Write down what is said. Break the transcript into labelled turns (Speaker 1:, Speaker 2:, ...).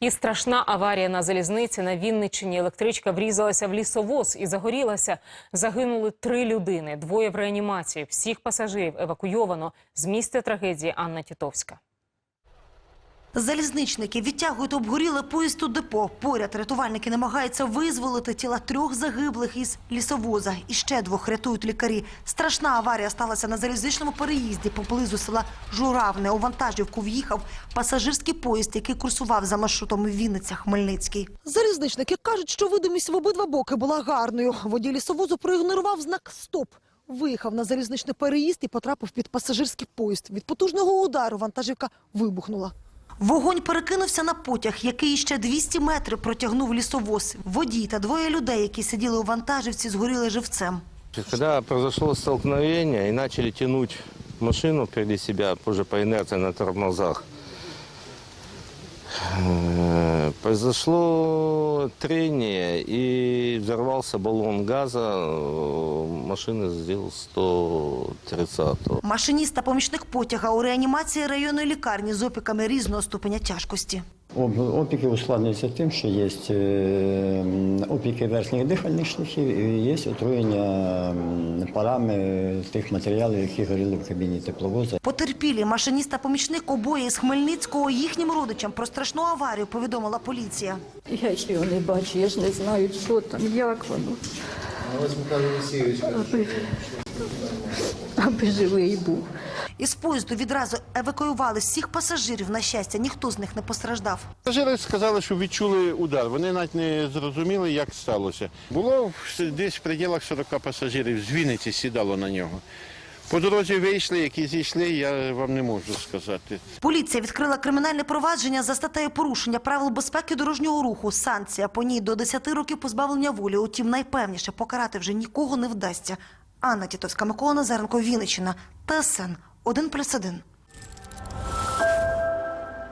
Speaker 1: І страшна аварія на залізниці на Вінниччині. Електричка врізалася в лісовоз і загорілася. Загинули 3 людини, 2 в реанімації. Всіх пасажирів евакуйовано. З місця трагедії Анна Тітовська.
Speaker 2: Залізничники відтягують обгоріле поїзд у депо. Поряд рятувальники намагаються визволити тіла 3 загиблих із лісовоза. І ще 2 рятують лікарі. Страшна аварія сталася на залізничному переїзді поблизу села Журавне. У вантажівку в'їхав пасажирський поїзд, який курсував за маршрутом Вінниця-Хмельницький. Залізничники кажуть, що видимість в обидва боки була гарною. Водій лісовозу проігнорував знак «Стоп». Виїхав на залізничний переїзд і потрапив під пасажирський поїзд. Від потужного удару вантажівка вибухнула. Вогонь перекинувся на потяг, який ще 200 метрів протягнув лісовоз. Водій та 2 людей, які сиділи у вантажівці, згоріли живцем.
Speaker 3: Когда произошло столкновение и начали тянуть машину впереди себя, позже по инерции на тормозах, произошло трение и взорвался баллон газа, машина сделала 130-го.
Speaker 2: Машиніст та помічник потяга у реанімації районної лікарні з опіками різного ступеня тяжкості.
Speaker 4: Опіки ускладнюються тим, що є опіки верхніх дихальних шляхів і є отруєння парами тих матеріалів, які горіли в кабіні тепловоза.
Speaker 2: Потерпілі, машиніст та помічник обоє з Хмельницького, їхнім родичам про страшну аварію повідомила поліція.
Speaker 5: Я ж його не бачу, я ж не знаю, що там, як воно. Аби живий був.
Speaker 2: Із поїзду відразу евакуювали всіх пасажирів. На щастя, ніхто з них не постраждав.
Speaker 6: Пасажири сказали, що відчули удар. Вони навіть не зрозуміли, як сталося. Було десь в пределах 40 пасажирів, з Вінниці сідало на нього. По дорозі вийшли, які зійшли, я вам не можу сказати.
Speaker 2: Поліція відкрила кримінальне провадження за статтею порушення правил безпеки дорожнього руху. Санкція по ній до 10 років позбавлення волі. Утім, найпевніше, покарати вже нікого не вдасться. Анна Тітовська, Микола Назаренко, Вінниччина, ТСН 1+1.